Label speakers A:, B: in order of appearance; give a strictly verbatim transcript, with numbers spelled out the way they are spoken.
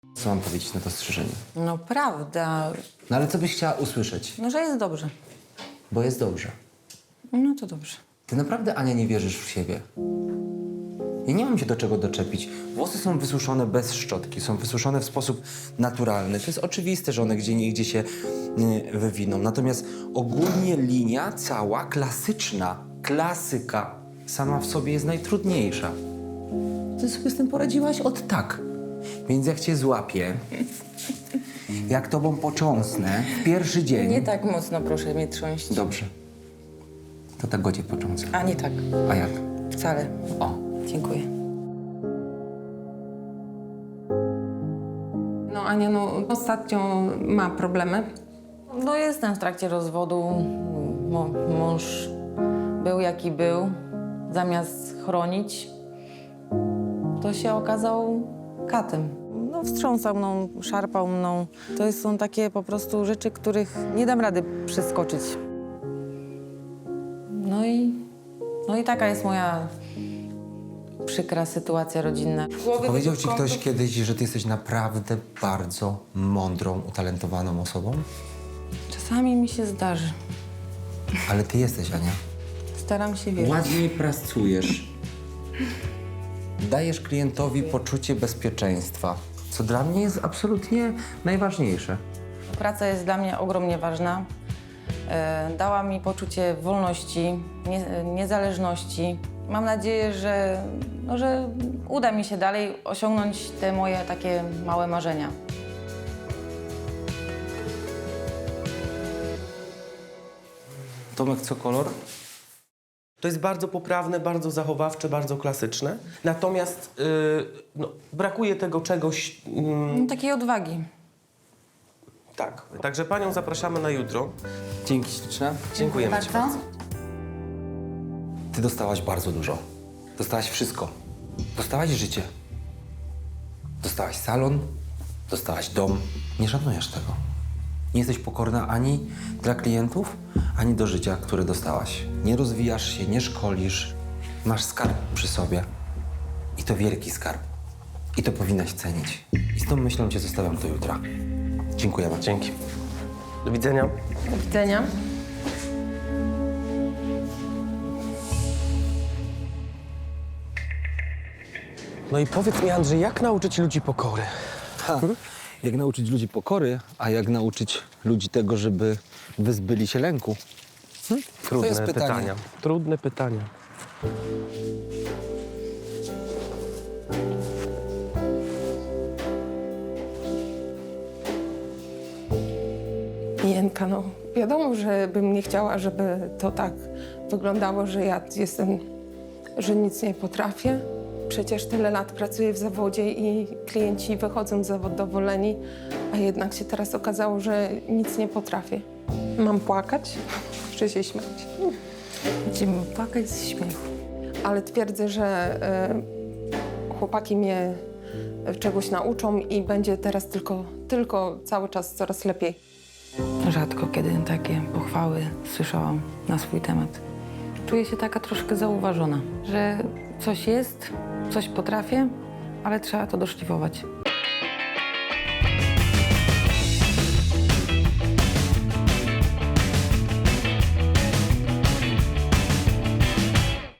A: Co mam powiedzieć na to strzyżenie?
B: No prawda,
A: No ale co byś chciała usłyszeć?
B: no że jest dobrze.
A: Bo jest dobrze.
B: No to dobrze.
A: Ty naprawdę, Ania, nie wierzysz w siebie. Ja nie mam się do czego doczepić. Włosy są wysuszone bez szczotki, są wysuszone w sposób naturalny. To jest oczywiste, że one gdzie niegdzie się y, wywiną. Natomiast ogólnie linia cała klasyczna, klasyka sama w sobie jest najtrudniejsza. Ty sobie z tym poradziłaś od tak. Więc jak cię złapię, jak tobą począsnę w pierwszy dzień...
B: Nie tak mocno proszę mnie trząść.
A: Dobrze. To tak go cię począsę.
B: A nie tak.
A: A jak?
B: Wcale.
A: O.
B: Dziękuję.
C: No Ania, no ostatnio ma problemy.
B: No jestem w trakcie rozwodu. Mo- mąż był jaki był. Zamiast chronić, to się okazał katem. No wstrząsał mną, szarpał mną. To są takie po prostu rzeczy, których nie dam rady przeskoczyć. No i, no i taka jest moja przykra sytuacja rodzinna.
A: Powiedział ci ktoś kiedyś, że ty jesteś naprawdę bardzo mądrą, utalentowaną osobą?
B: Czasami mi się zdarzy.
A: Ale ty jesteś, Ania.
B: Staram się wierzyć.
A: Ładnie pracujesz. Dajesz klientowi poczucie bezpieczeństwa, co dla mnie jest absolutnie najważniejsze.
B: Praca jest dla mnie ogromnie ważna. E, dała mi poczucie wolności, nie, niezależności. Mam nadzieję, że, no, że uda mi się dalej osiągnąć te moje takie małe marzenia.
A: Tomek, co kolor?
D: To jest bardzo poprawne, bardzo zachowawcze, bardzo klasyczne. Natomiast yy, no, brakuje tego czegoś... mm,
B: No, takiej odwagi.
D: tak. Także panią zapraszamy na jutro.
A: Dzięki śliczne.
D: Dziękujemy ci bardzo.
A: Ty dostałaś bardzo dużo. Dostałaś wszystko. Dostałaś życie. Dostałaś salon, dostałaś dom. Nie szanujesz tego. Nie jesteś pokorna ani dla klientów, ani do życia, które dostałaś. Nie rozwijasz się, nie szkolisz. Masz skarb przy sobie. I to wielki skarb. I to powinnaś cenić. I z tą myślą cię zostawiam do jutra. Dziękujemy.
D: Dzięki. Do widzenia.
C: Do widzenia.
D: No i powiedz mi, Andrzej, jak nauczyć ludzi pokory?
A: Ha, jak nauczyć ludzi pokory, a jak nauczyć ludzi tego, żeby wyzbyli się lęku? Hm?
D: Trudne
A: jest pytanie.
D: pytania. Trudne pytania.
C: Jenka, no wiadomo, że bym nie chciała, żeby to tak wyglądało, że ja jestem, że nic nie potrafię. Przecież tyle lat pracuję w zawodzie i klienci wychodzą zadowoleni, a jednak się teraz okazało, że nic nie potrafię. Mam płakać czy się śmiać?
B: Będziemy płakać z śmiechu.
C: Ale twierdzę, że y, chłopaki mnie czegoś nauczą i będzie teraz tylko, tylko cały czas coraz lepiej.
B: Rzadko kiedy takie pochwały słyszałam na swój temat. Czuję się taka troszkę zauważona, że coś jest, coś potrafię, ale trzeba to doszlifować.